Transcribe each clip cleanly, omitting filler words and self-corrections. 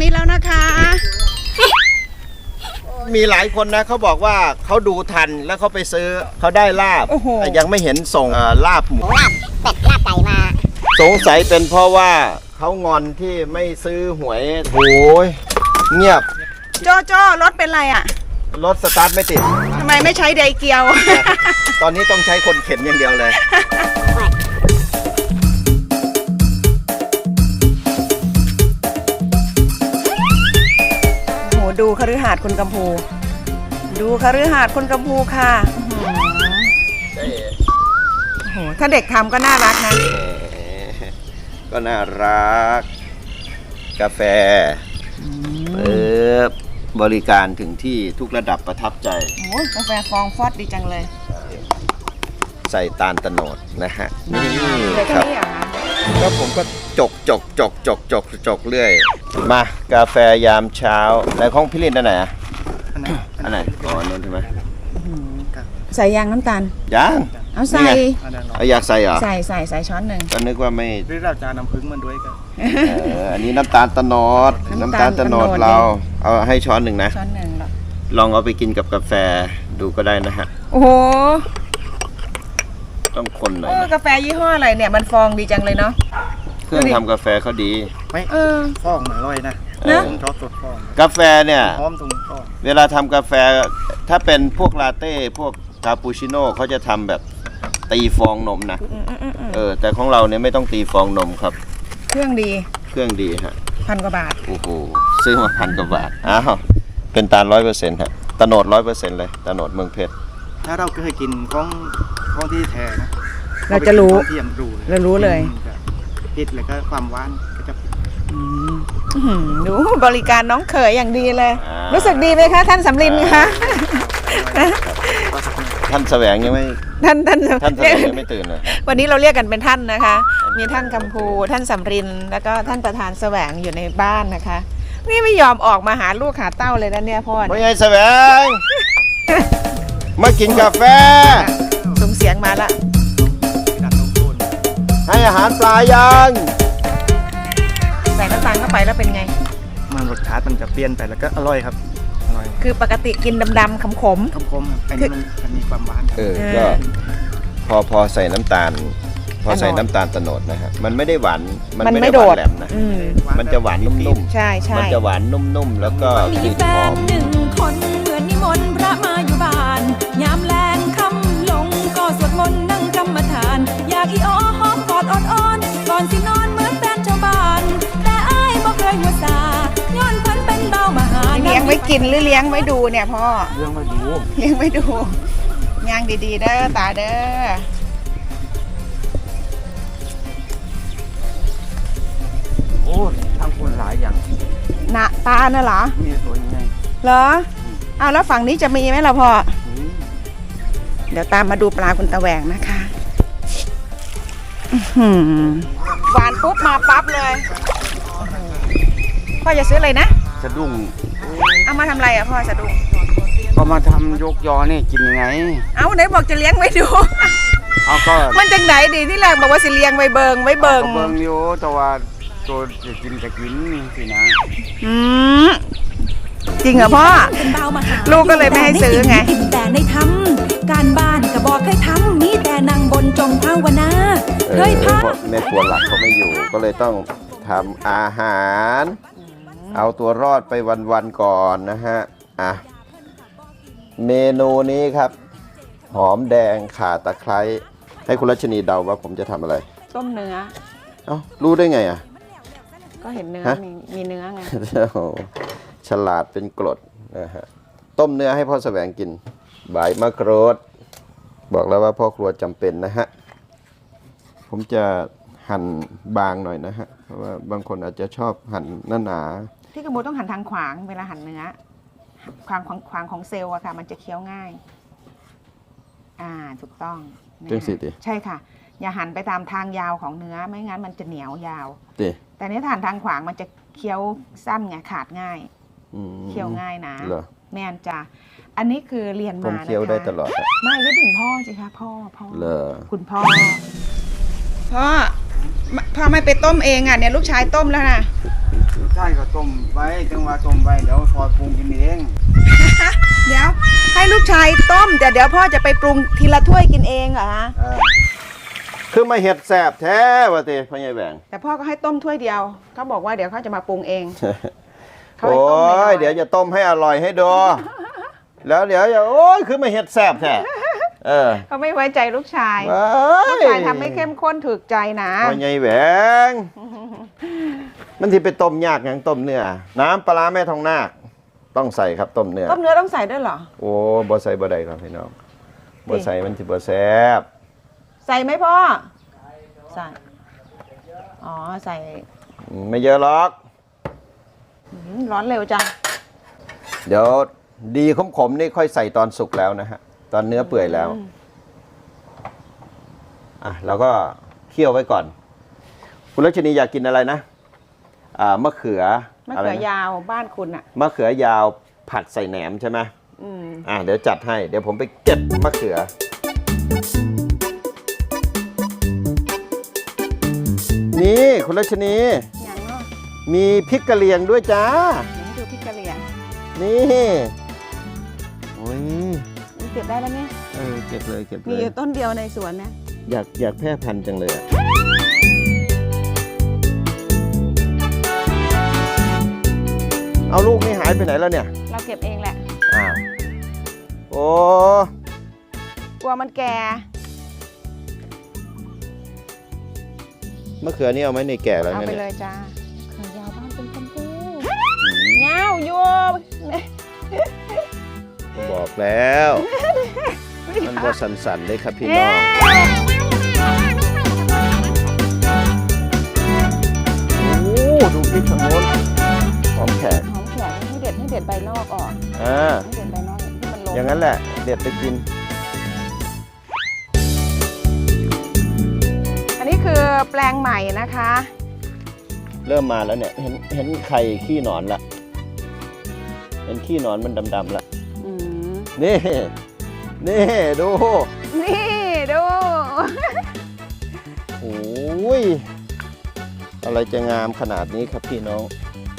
นี้แล้วนะคะมีหลายคนนะเขาบอกว่าเขาดูทันแล้วเขาไปซื้อเขาได้ลาบแต่ยังไม่เห็นส่งลาบหมูลาบเป็ดลาบไก่มาสงสัยเป็นเพราะว่าเขางอนที่ไม่ซื้อหวยโหยเงียบโจโจรถเป็นไรอ่ะรถสตาร์ทไม่ติดทำไมไม่ใช้ไดเกียวตอนนี้ต้องใช้คนเข็นอย่างเดียวเลยโหดูคฤหาสน์คุณกัมพู ดูคฤหาสน์คุณกัมพูค่ะโอ้โหถ้าเด็กทำก็น่ารักนะก็น่ารัก กาแฟบริการถึงที่ทุกระดับประทับใจโอ้กาแฟฟองฟอดดีจังเลยใส่ตาลตะโนดนะฮะนี่เหลือคแค่รับนี้เหรอคะแล้วผมก็จกเรื่อย มากาแฟยามเช้าแต่ของพี่ลินอันไหนอ่ะอันไหนอ๋อนั่นใช่ไหมใส่ยางน้ำตาลยังเอาใส่นี่ไงเอาอยากใส่เหรอใส่ช้อนหนึ่งก็นึกว่าไม่หรือเราจะน้ำผึ้งมันด้วยกันอันนี้น้ำตาลตะโนดน้ำตาลตะโนดเราเอาให้ช้อนหนึ่งนะช้อนหนึ่งหรอลองเอาไปกินกับกาแฟดูก็ได้นะฮะโอ้โหต้องคนหน่อยนะกาแฟยี่ห้ออะไรเนี่ยมันฟองดีจังเลยเนาะเครื่องทำกาแฟเขาดีไม่ ฟองมันอร่อยนะนะผมชอบสดฟองกาแฟเนี่ยหอมตรงฟองเวลาทำกาแฟถ้าเป็นพวกลาเต้พวกคาปูชิโน่เขาจะทำแบบตีฟองนมนะแต่ของเราเนี่ยไม่ต้องตีฟองนมครับเครื่องดีเครื่องดีฮะ 1,000 กว่าบาทโอ้โหซื้อมา1,000 กว่าบาทอ้าวเป็นตาล100%ฮะตะโนด100%เลยตะโนดเมืองเพชรถ้าเราเคยกินของที่แท้นะเราจะรู้ที่ยังรู้เรารู้เลยผิดแล้วก็ความหวานก็จะดูบริการน้องเขยอย่างดีเลย รู้สึกดีไหมคะท่านสำลินคะท่านแสวงยังไม่ท่านท่านแสวงยังไม่ตื่นเลยวันนี้เราเรียกกันเป็นท่านนะคะ มีท่านกัมพูท่านสำรินแล้วก็ท่านประธานแสวงอยู่ในบ้านนะคะ นี่ไม่ยอมออกมาหาลูกหาเต้าเลยนะเนี่ยพ่อไม่ใช่แสวงมากินกาแฟส่งเสียงมาละดัดตรงโคนให้อาหารปลายังใส่น้ำตาลเข้าไปแล้วเป็นไงมันรสชาติมันจะเปลี่ยนไปแล้วก็อร่อยครับอร่อยคือปกติกินดำๆขมคมๆครับอันนี้มันมีความหวานครับก็พอใส่น้ำตาล พอใส่น้ำตาลตะโนดนะฮะมันไม่ได้หวานๆมันไม่หโดวานดแหลมนะ มันแบจะบหวานนุ่มใช่ๆใช่มันจะหวานนุ่มๆแล้วก็กมีลิ่นแฟหอน มหนึ่งคนเหมือนนิมนต์พระมาอยู่บ้าน ยามแลงค่ำลงก็สวดมนต์นั่งกรรมฐาน อยากอีอ้อหอมกอดอดอ้อนก่อนสินอนเหมือนแฟนชาวบ้าน แต่อ้ายบ่เคยหัวซาย้อนเพิ่นเป็นเบามหาเลี้ยงไว้กินหรือเลี้ยงไว้ดูเนี่ยพ่อเรื่องมาดูเลี้ยงไว้ดูย่างดีๆเด้อตาเด้อโอ้ทำคนหลายอย่างน่ะตาน่ะเหรอมีตัวยังไงเหรออ้าวแล้วฝั่งนี้จะมีไหมล่ะพ่อ เดี๋ยวตามมาดูปลาคุณตะแหวงนะคะหวานปุ๊บมาปั๊บเลยพ่อจะซื้ออะไรนะสะดุ้งเอามาทำอะไรอ่ะพ่อสะดุ้งก็มาทำยกยอนี่กินยังไงเอาไหนบอกจะเลี้ยงไว้ดูเอาก็มันจังไหนดีที่แรกบอกว่าสิเลี้ยงไว้เบิงก็เบิ่งอยู่แต่ว่าตัวจะกินสินะอืมจริงเหรอพ่อเป็นเบามหาลูกก็เลยไม่ให้ซื้อไงกินแต่ในทำการบ้านก็บอกเคยทำมีแต่นั่งบนจงภาวนาเคยพาเพราะแม่ครัวหลักเขาไม่อยู่ ก็เลยต้องทำอาหาร เอาตัวรอดไปวันๆก่อนนะฮะเมนูนี้ครับ หอมแดงข่าตะไคร้ให้คุณรัชนีเดาว่าผมจะทำอะไรต้มเนื้อเอ้ารู้ได้ไงอ่ะก็เห็นเนื้อฮะมีเนื้อไงโอ้โหฉลาดเป็นกรดนะฮะต้มเนื้อให้พ่อแสวงกินใบมะกรูดบอกแล้วว่าพ่อครัวจำเป็นนะฮะผมจะหั่นบางหน่อยนะฮะเพราะว่าบางคนอาจจะชอบหั่นหนาที่กระมูต้องหันทางขวางเวลาหั่นเนื้อขวางของเซลล์อะค่ะมันจะเคี้ยวง่ายถูกต้องๆจังสิติใช่ค่ะ อย่าหันไปตามทางยาวของเนื้อไม่งั้นมันจะเหนียวยาวติแต่นี้หันทางขวางมันจะเคี้ยวสั้นไงขาดง่ายอืมเคี้ยวง่ายนะเหรอแม่นจ้ะอันนี้คือเรียนผมมานะคะเคี้ยวได้ตลอดอะไม่ก็ถึงพ่อสิคะพ่อเหรอคุณพ่อพ่อไม่ไปต้มเองอ่ะเนี่ยลูกชายต้มแล้วนะใจชายก็ต้มไว้จังหวะต้มไว้เดี๋ยวพอปรุงกินเองเดี๋ยวให้ลูกชายต้มแต่เดี๋ยวพ่อจะไปปรุงทีละถ้วยกินเองเหรอฮะคือมาเห็ดแสบแท้วะเต้พ่อใหญ่แหวงแต่พ่อก็ให้ต้มถ้วยเดียวเขาบอกว่าเดี๋ยวเขาจะมาปรุงเอง เขาโอ้ให้ต้มน้อยยเดี๋ยวจะต้มให้อร่อยให้ดูแล้วเดี๋ยวจะโอ้ยคือมาเห็ดแสบแท้เขาไม่ไว้ใจลูกชายว้าลูกชายทำให้เข้มข้นถูกใจนะพ่อใหญ่แหวงมันที่ไปต้มยากอย่างต้มเนื้อน้ำปลาร้าแม่ทองนาคต้องใส่ครับต้มเนื้อต้มเนื้อต้องใส่ด้วยเหรอโอ้บ่ใส่บ่ได้ครับพี่น้องบ่ใส่มันสิบ่แซ่บใส่ไหมพ่อใส่อ๋อใส่ไม่เยอะหรอกร้อนเร็วจังเดี๋ยวดีขมๆนี่ค่อยใส่ตอนสุกแล้วนะฮะตอนเนื้อเปื่อยแล้วเราก็เคี่ยวไว้ก่อนคุณรัชนีอยากกินอะไรนะมะเขือมะเขือยาวบ้านคุณอ่ะมะเขือยาวผัดใส่แหนมใช่ไหมเดี๋ยวจัดให้เดี๋ยวผมไปเก็บมะเขือนี่คุณรัชนีอย่างเนาะมีพริกกะเหรี่ยงด้วยจ้านี่ดูพริกกะเหรี่ยงนี่โอ้ยนี่เก็บได้แล้วเนี่ยเก็บเลยเก็บเลมียอยู่ต้นเดียวในสวนนะอยากแพร่พันธุ์จังเลยอะเอาลูกนี่หายไปไหนแล้วเนี่ยเราเก็บเองแหละอ้าวโอ้กลัวมันแก่มะเขือนี่เอาไหมในแก่แล้วเอาเนี่ยไปเลยจ้าเขือยาวบ้านเป็นชมพูเงาอยู่บอกแล้ว มันบ่สันๆเลยครับพี่น้องโอ้ดูพริกทางโน้นหอมแขกหอมแขกให้เด็ดใบนอกออกอ่าให้เด็ดใบนอกที่มันลงอย่างนั้นแหละเด็ดไปกินอันนี้คือแปลงใหม่นะคะเริ่มมาแล้วเนี่ยเห็นไข่ขี้หนอนละเห็นขี้หนอนมันดำๆละอืมนี่ดูนี่ดูโอ้ยอะไรจะงามขนาดนี้ครับพี่น้อง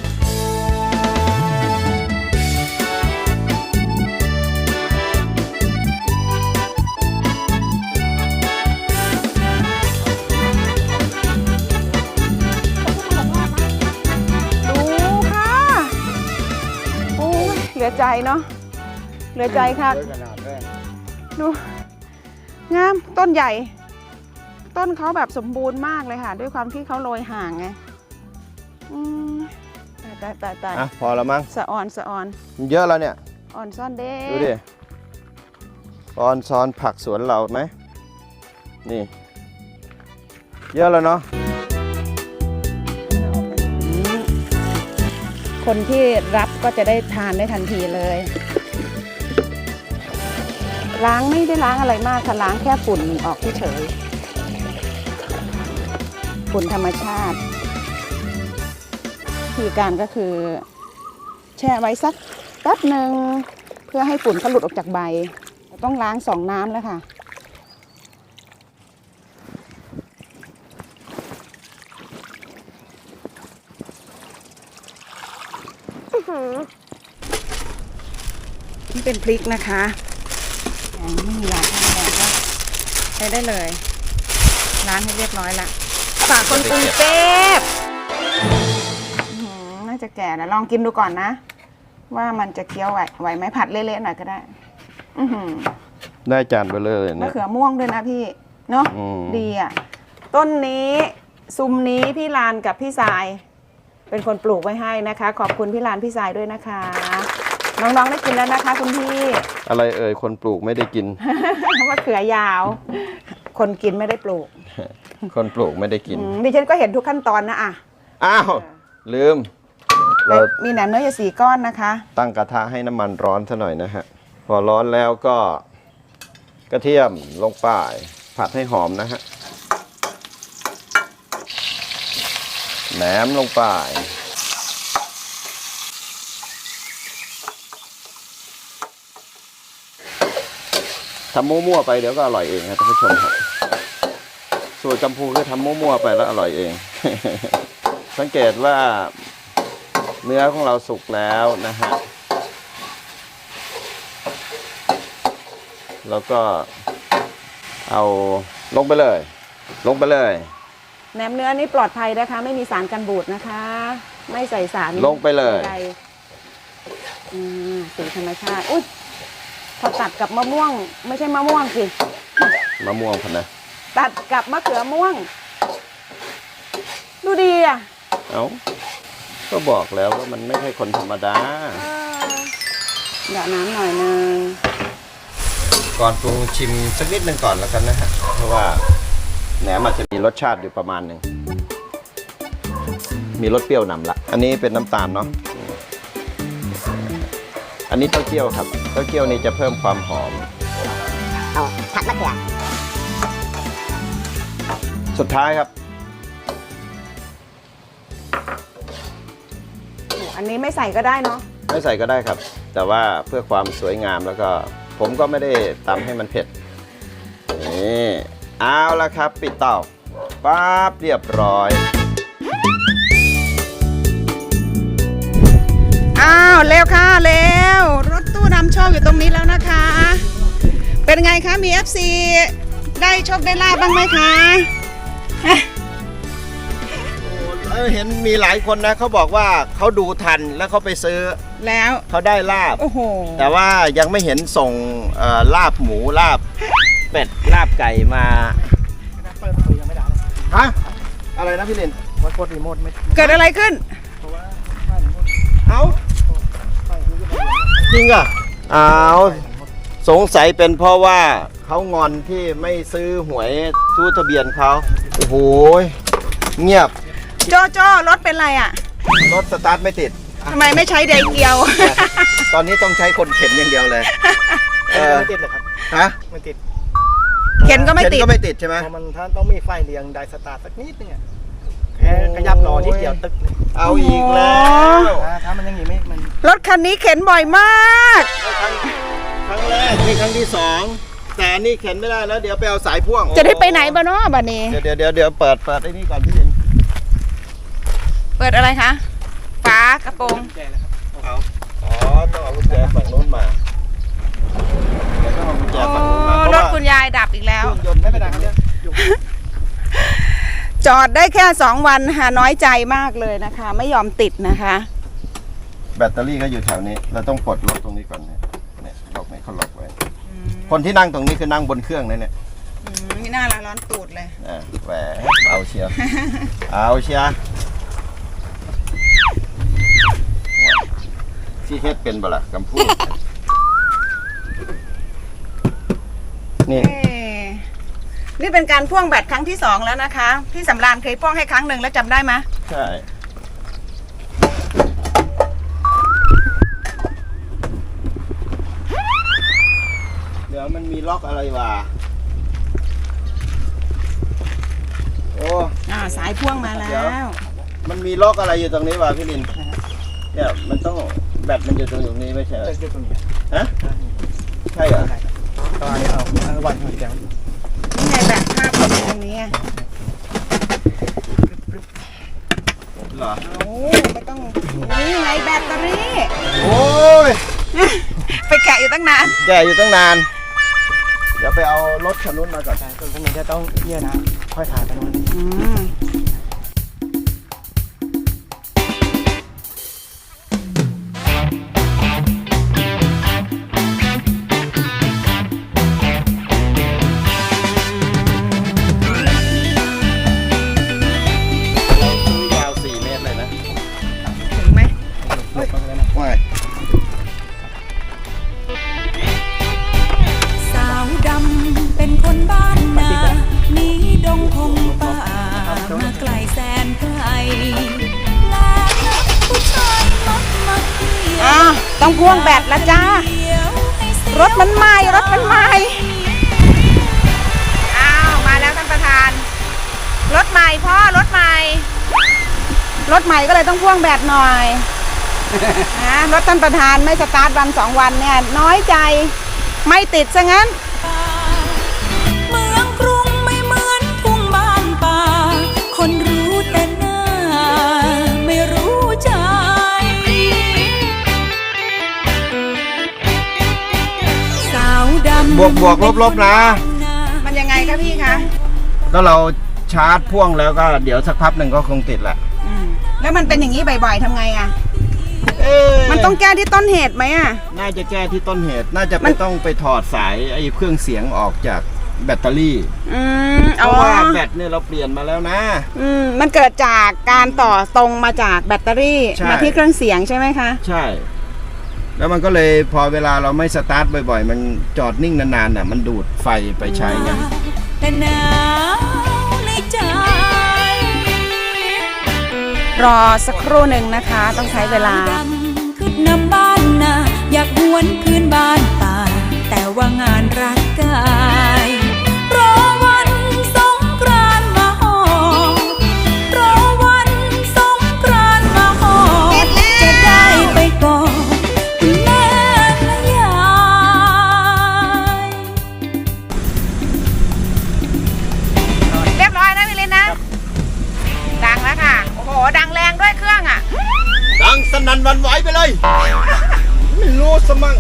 ดูค่ะโอ้ยเหลือใจเนาะเหลือใจค่ะเยอะขนาดเลยดูงามต้นใหญ่ ต้นเขาแบบสมบูรณ์มากเลยค่ะ ด้วยความที่เขาโรยห่างไงอืมตายอ่ะพอแล้วมั้งสะออนสะออนมันเยอะแล้วเนี่ยอ่อนซ่อนเด้ดูดิออนซอนผักสวนเราไหมนี่ เยอะแล้วเนาะคนที่รับก็จะได้ทานได้ทันทีเลย ล้างไม่ได้ล้างอะไรมากค่ะล้างแค่ฝุ่นออกเฉยๆฝุ่นธรรมชาติวิธีการก็คือ แช่ไว้สักแป๊บหนึ่งเพื่อให้ฝุ่นเขาหลุดออกจากใบ ต้องล้าง2 น้ำแล้วค่ะนี่เป็นพริกนะคะไม่มียาฆ่าแมลงก็ใช้ได้เลยล้างให้เรียบร้อยละฝากคนกรุงเทพน่าจะแก่แล้วลองกินดูก่อนนะ ว่ามันจะเคี้ยวไหวไหมผัดเละๆหน่อยก็ได้ได้จานไปเลยมะเนี่ยเขือม่วงด้วยนะพี่เนาะอืมดีอ่ะต้นนี้ซุ้มนี้พี่ลานกับพี่ทราย เป็นคนปลูกไว้ให้นะคะ ขอบคุณพี่ลานพี่ทรายด้วยนะคะ น้องๆได้กินแล้วนะคะ คุณพี่อะไรเอ่ยคนปลูกไม่ได้กินมะเขือยาว คนกินไม่ได้ปลูกคนปลูกไม่ได้กินดิฉันก็เห็นทุกขั้นตอนนะอ่ะอ้าวลืม เรามีแหนมเนื้ออยู่4 ก้อนนะคะตั้งกระทะให้น้ำมันร้อนซะหน่อยนะฮะพอร้อนแล้วก็กระเทียมลงไปผัดให้หอมนะฮะแหนมลงไปทำมั่วๆไปเดี๋ยวก็อร่อยเองครับท่านผู้ชมครับสูตรกัมพูคือทำมั่วๆไปแล้วอร่อยเอง สังเกตว่าเนื้อของเราสุกแล้วนะฮะแล้วก็เอาลงไปเลย ลงไปเลยแหนมเนื้อนี่ปลอดภัยนะคะ ไม่มีสารกันบูดนะคะ ไม่ใส่สารลงไปเลยใดสีธรรมชาติอุ้ยพอตัดกับมะม่วง ไม่ใช่มะม่วงสิมะม่วงพันนะตัดกับมะเขือม่วง ดูดีอ่ะเอ้าก็บอกแล้วว่ามันไม่ใช่คนธรรมดาเดี๋ยวน้ำหน่อยนึงก่อนปรุงชิมสักนิดหนึ่งก่อนแล้วกันนะฮะเพราะว่าแหนมอาจจะมีรสชาติอยู่ประมาณหนึ่งมีรสเปรี้ยวนำละอันนี้เป็นน้ำตาลเนาะอันนี้เต้าเจี้ยวครับเต้าเจี้ยวนี่จะเพิ่มความหอมเอาผัดมะเขือสุดท้ายครับอันนี้ไม่ใส่ก็ได้เนาะไม่ใส่ก็ได้ครับ แต่ว่าเพื่อความสวยงามแล้วก็ผมก็ไม่ได้ตำให้มันเผ็ดนี่เอาละครับปิดเตาปั๊บเรียบร้อยอ้าวเร็วค่ะเร็วรถตู้นำโชคอยู่ตรงนี้แล้วนะคะ เป็นไงคะมี FC ได้โชคได้ลาบบ้างไหมคะเห็นมีหลายคนนะเขาบอกว่าเขาดูทันแล้วเขาไปซื้อแล้วเขาได้ลาบโอ้โหแต่ว่ายังไม่เห็นส่งลาบหมูลาบเป็ดลาบไก่มาเปิดประตูยังไม่ได้เลยฮะอะไรนะพี่ลินวัดกดรีโมทไม่เกิดอะไรขึ้นเพราะว่าป้ายรีโมทเอาป้ายรีโมทจริงอ่ะเอาสงสัยเป็นเพราะว่าเขางอนที่ไม่ซื้อหวยซื้อทะเบียนเขาโอ้โหเงียบโจโจรถเป็นไรอ่ะรถสตาร์ทไม่ติดทำไมไม่ใช้ไดเกียวตอนนี้ต้องใช้คนเข็นอย่างเดียวเลยไม่ติดเลยครับฮะไม่ติดเข็นก็ไม่ติดเข็นก็ไม่ติดใช่ไหมเพราะมันท่านต้องมีไฟเรียงไดสตาร์ทสักนิดนึงอะแค่ขยับรอที่เดียวตึกเลยเอาอีกแล้วถ้ามันยังอย่างนี้ไม่มันรถคันนี้เข็นบ่อยมากครั้งแรกนี่ครั้งที่สองแต่อันนี่เข็นไม่ได้แล้วเดี๋ยวไปเอาสายพ่วงจะได้ไปไหนบ้านาะบัดนี้เดี๋ยวเปิดไอ้นี่ก่อนพี่ลินเปิดอะไรคะฝากระโปรงแก่แล้วครับเอาอ๋อต้องเอากุญแจฝั่งโน้นมาเดี๋ยวต้องเอากุญแจฝั่งโน้นมาเพราะรถว่าคุณยายดับอีกแล้วเครื่องยนต์ไม่เป็นไรครับเนี่ยอยู่จอดได้แค่2 วันค่ะน้อยใจมากเลยนะคะ ไม่ยอมติดนะคะแบตเตอรี่ก็อยู่แถวนี้เราต้องปลดล็อกตรงนี้ก่อนเนี่ยล็อกไหนเขาล็อกไว้คนที่นั่งตรงนี้คือนั่งบนเครื่องนะเนี่ยมีหน้าร้อนตูดเลยแหวเอาเชียร์ เอาเชียร์ที่เฮ็ดเป็นบ่ล่ะกำพูดนี่นี่เป็นการพ่วงแบตครั้งที่2แล้วนะคะพี่สำราญเคยพ่วงให้ครั้งหนึ่งแล้วจำได้ไหมใช่เดี๋ยวมันมีล็อกอะไรวะโอ้สายพ่วงมาแล้เดี๋ยววมันมีล็อกอะไรอยู่ตรงนี้วะพี่ลินเนี่ยมันต้องแบตมันอยู่ตรงนี้ไม่ใช่เหรอตึกตรงนี้ฮะใช่เหรอตอนนี้เอาวันหัวแก้วนี่ไงแบตภาพอยู่ตรงนี้เหรอโอ้ไม่ต้องนี่ไงแบตเตอรี่โอ้ยไปแกะอยู่ตั้งนานแกอยู่ตั้งนาน เดี๋ยวไปเอารถคันนู้นมาก่อนใช่ตรงนี้จะต้องเยื่อนะค่อยถ่ายไปนู่นเราซื้อยาว4 เมตรเลยนะถึงไหมลบไปเลยนะว่าสาวดำเป็นคนบ้านนาหนีดงพงป่ามาไกลแสนไกลแล้วนักผู้ชายมักมาเกี่ยวต้องพ่วงแบตละจ้าเกี่ยวให้เสียรถมันไหม้รถมันไหม้อ้าวมาแล้วท่านประธาน รถใหม่พ่อรถใหม่ รถใหม่ก็เลยต้องพ่วงแบตหน่อยนะรถท่านประธานไม่สตาร์ทวัน2 วันเนี่ยน้อยใจไม่ติดซะงั้นเมืองกรุงไม่เหมือนทุ่งบ้านป่า คนรู้แต่หน้าไม่รู้ใจบวกลบนะมันยังไงคะพี่คะก็เราชาร์จพ่วงแล้วก็เดี๋ยวสักพักหนึ่งก็คงติดแหละแล้วมันเป็นอย่างนี้บ่อยๆทำไงอ่ะ มันต้องแก้ที่ต้นเหตุไหมอ่ะน่าจะแก้ที่ต้นเหตุ น่าจะต้องไปถอดสายไอ้เครื่องเสียงออกจากแบตเตอรี่ เพเอาราะว่าแบตเนี่ยเราเปลี่ยนมาแล้วนะมันเกิดจากการต่อตรงมาจากแบตเตอรี่ใช่มาที่เครื่องเสียงใช่ไหมคะใช่ แล้วมันก็เลยพอเวลาเราไม่สตาร์ทบ่อยๆ มันจอดนิ่งนานๆน่ะมันดูดไฟไปใช้ไงแต่หนาวในใจรอสักครู่หนึ่งนะคะ ต้องใช้เวลาขึ้นนำบ้านนาอยากหวนคืนบ้านป่า แต่ว่างานรักกายรอวันสงกรานต์มาหอรอวันสงกรานต์มาหอจะได้ไปกอดคุณแม่และยายเรียบร้อยนะพี่ลินนะ ดังแล้วค่ะ โอ้โห ดังแรงด้วยเครื่องอ่ะดังสนั่นหวันไหวไปเลย ไม่รู้สมั่ง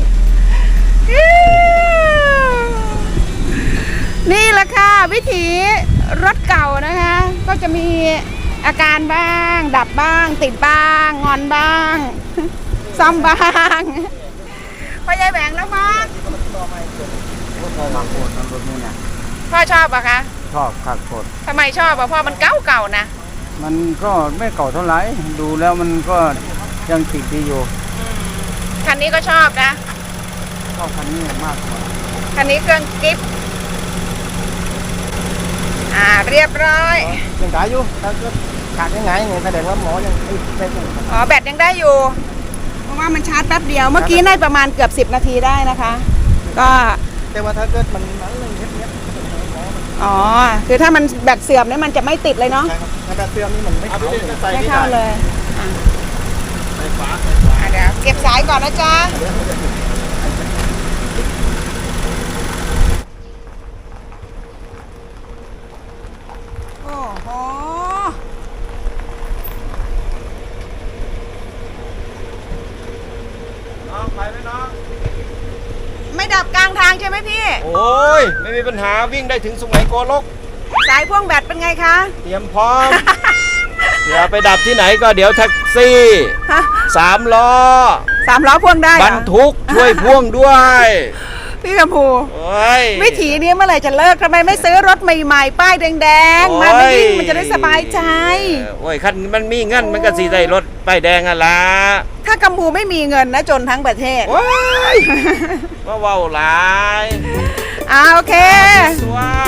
นี่แหละค่ะ วิถีรถเก่านะคะ ก็จะมีอาการบ้าง ดับบ้าง ติดบ้าง งอนบ้าง ซ่อมบ้างพ่อยายแหวงแล้วมั้งพอมาโคตรรถนี่นะพ่อชอบอะคะชอบคักโคตรทำไมชอบอะพ่อมันเก่าๆนะมันก็ไม่เก่าเท่าไหร่ดูแล้วมันก็ยังติดดีอยู่คันนี้ก็ชอบนะชอบคันนี้มากกว่าคันนี้เครื่องกิฟต์เรียบร้อยยังขายอยู่ถ้าเกิดขาดยังไงเนี่ยแสดงว่าหมอยังได้อยู่อ๋อแบตยังได้อยู่ เพราะว่ามันชาร์จแป๊บเดียว เมื่อกี้ได้ประมาณเกือบ10 นาทีได้นะคะ ก็แต่ว่าถ้าเกิดมันนั้นเลยเนี้ยอ๋อ คือถ้ามันแบตเสื่อมเนี่ยมันจะไม่ติดเลยเนาะถ้าแบบเสื่อมนี่มันไม่เข้าเลยไม่เข้าเลยเดี๋ยวเก็บสายก่อนนะจ๊ะ โอ้โหน้องไปไหมน้องไม่ดับกลางทางใช่ไหมพี่โอ้ย ไม่มีปัญหาวิ่งได้ถึงสุไหงโกลกสายพ่วงแบตเป็นไงคะเตรียมพร้อม เดี๋ยวไปดับที่ไหนก็เดี๋ยวแท็กซี่ฮะ 3 ล้อ 3 ล้อพ่วงได้เหบรรอรทุกช่วยพ่วงด้วยพี่กำพูโอ้ยวิถีนี้เมื่อไหร่จะเลิกทำไมไม่ซื้อรถใหม่ๆ ป้ายแดงๆ มาไม่วิ่งมันจะได้สบายใจโอ้ยคันมันมีเงินมันก็สีได้รถป้ายแดงอ่ะล่ะถ้ากำพูไม่มีเงินนะจนทั้งประเทศโอ้ยว่าเว้าหลายโอเคสวย